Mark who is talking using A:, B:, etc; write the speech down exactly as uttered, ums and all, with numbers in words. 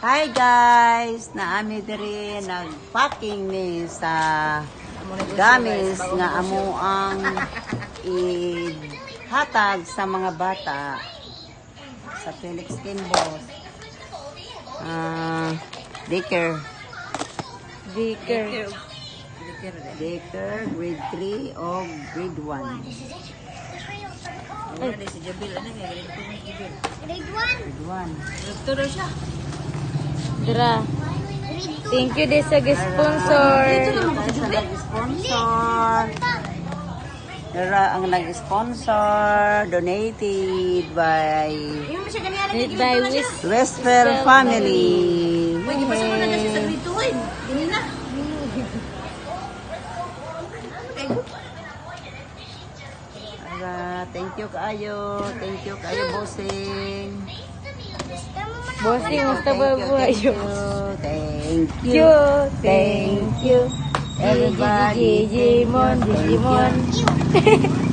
A: Hi guys! Naami diri nagpacking ni sa gamis nga amo ang ihatag sa mga bata sa Felix Kimbos. Ah, daycare.
B: Daycare.
A: Daycare, grade three o grade one.
B: Ay, si Jabil, ano nga, grade two, Jabil.
C: Grade one.
A: Grade one.
B: Grade two daw siya.
C: Grade
B: Dra.
C: two.
B: Thank you din sa sponsor.
A: Sa nag-sponsor. Dara ang nag-sponsor, donated by
B: Made by Wiz.
A: Westfall Family.
B: Pwede pa siya na siya sa grade two, eh. Ganyan na.
A: Dara, thank you kaayo. Thank you kaayo, bossing.
B: Bossing, musta ba buhay
A: Thank you.
B: Thank
A: Thank you.
B: you.
A: Thank you. Everybody.
B: Digimon, Digimon.